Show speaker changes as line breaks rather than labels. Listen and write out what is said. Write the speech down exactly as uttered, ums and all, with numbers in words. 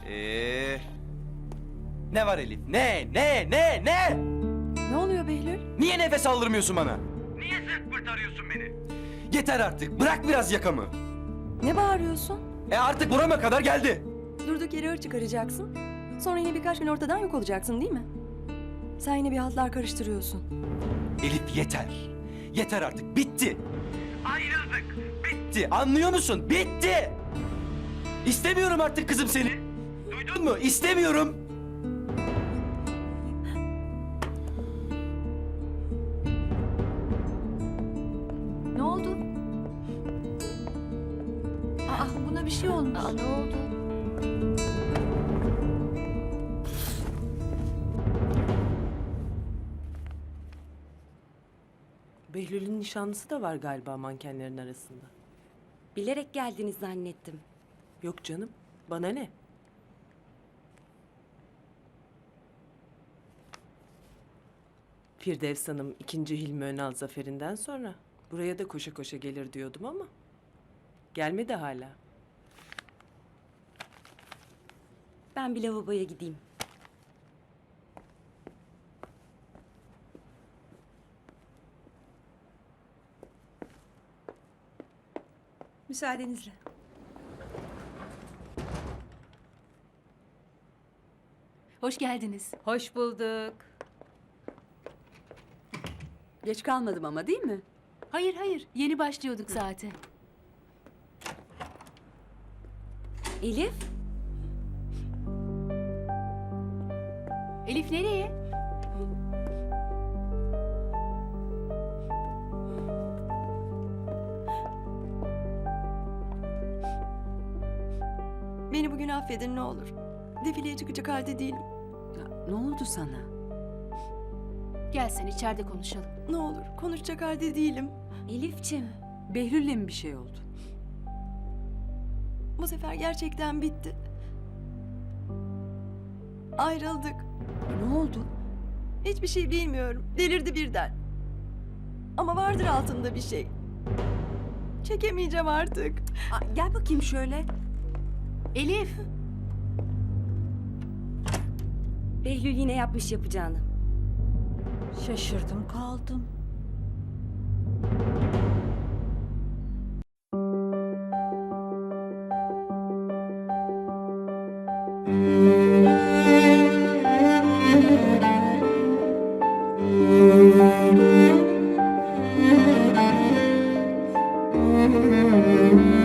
Ee, ne var Elif? Ne? Ne? Ne? Ne?
Ne oluyor Behlül?
Niye nefes aldırmıyorsun bana? Niye sırt pırt arıyorsun beni? Yeter artık. Bırak biraz yakamı.
Ne bağırıyorsun?
E artık burama kadar geldi.
Durduk yere hır çıkaracaksın. Sonra yine birkaç gün ortadan yok olacaksın değil mi? Sen yine bir hatlar karıştırıyorsun.
Elif yeter. Yeter artık. Bitti. Ayrıldık. Bitti. Anlıyor musun? Bitti. İstemiyorum artık kızım seni. Duydun mu? İstemiyorum.
Ne oldu? Aa, buna bir şey olmuş. Aa, ne oldu?
Behlül'ün nişanlısı da var galiba mankenlerin arasında.
Bilerek geldiniz zannettim.
Yok canım, bana ne? Firdevs Hanım ikinci Hilmi Önal zaferinden sonra buraya da koşa koşa gelir diyordum ama gelmedi hala.
Ben bir lavaboya gideyim.
Müsaadenizle. Hoş geldiniz.
Hoş bulduk.
Geç kalmadım ama değil mi? Hayır hayır, yeni başlıyorduk zaten.
Elif,
Elif nereye?
Beni bugün affedin ne olur. Defileye çıkacak halde değilim.
Ne oldu sana? Gel sen içeride konuşalım.
Ne olur konuşacak halde değilim.
Elifçim.
Behlül'le mi bir şey oldu?
Bu sefer gerçekten bitti. Ayrıldık.
Ne oldu?
Hiçbir şey bilmiyorum. Delirdi birden. Ama vardır altında bir şey. Çekemeyeceğim artık.
Aa, gel bakayım şöyle. Elif.
Behlül yine yapmış yapacağını.
Şaşırdım kaldım.
Thank you.